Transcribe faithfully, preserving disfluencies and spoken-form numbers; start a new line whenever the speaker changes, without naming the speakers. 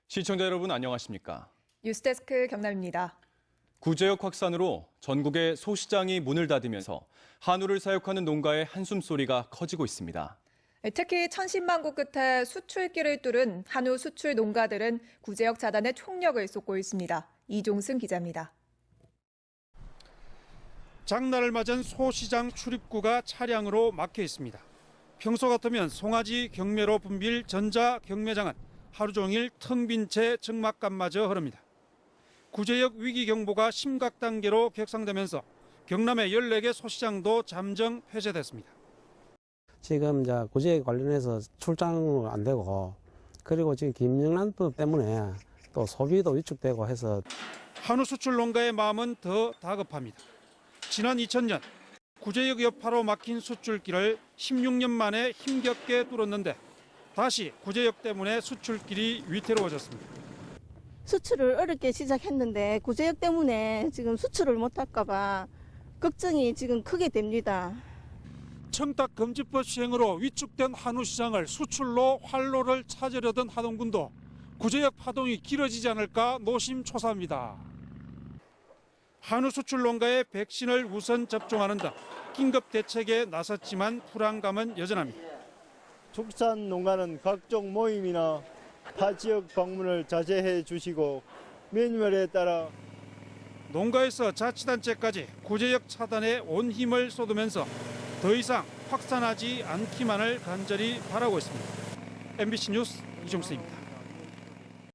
시청자 여러분 안녕하십니까?
뉴스데스크 경남입니다.
구제역 확산으로 전국의 소시장이 문을 닫으면서 한우를 사육하는 농가의 한숨소리가 커지고 있습니다.
특히 천신만고 끝에 수출길을 뚫은 한우 수출 농가들은 구제역 차단에 총력을 쏟고 있습니다. 이종승 기자입니다.
장날을 맞은 소시장 출입구가 차량으로 막혀 있습니다. 평소 같으면 송아지 경매로 붐빌 전자 경매장은 하루 종일 텅 빈 채 적막감마저 흐릅니다. 구제역 위기 경보가 심각 단계로 격상되면서 경남의 열네 개 소시장도 잠정 폐쇄됐습니다.
지금 이제 구제역 관련해서 출장 안 되고, 그리고 지금 김영란법 때문에 또 소비도 위축되고 해서
한우 수출 농가의 마음은 더 다급합니다. 지난 이천 년 구제역 여파로 막힌 수출길을 십육 년 만에 힘겹게 뚫었는데 다시 구제역 때문에 수출길이 위태로워졌습니다.
수출을 어렵게 시작했는데 구제역 때문에 지금 수출을 못할까 봐 걱정이 지금 크게 됩니다.
청탁금지법 시행으로 위축된 한우 시장을 수출로 활로를 찾으려던 하동군도 구제역 파동이 길어지지 않을까 노심초사합니다. 한우 수출 농가의 백신을 우선 접종하는 등 긴급 대책에 나섰지만 불안감은 여전합니다.
축산 농가는 각종 모임이나 타 지역 방문을 자제해 주시고 매뉴얼에 따라
농가에서 자치단체까지 구제역 차단에 온 힘을 쏟으면서 더 이상 확산하지 않기만을 간절히 바라고 있습니다. 엠비씨 뉴스 이종수입니다.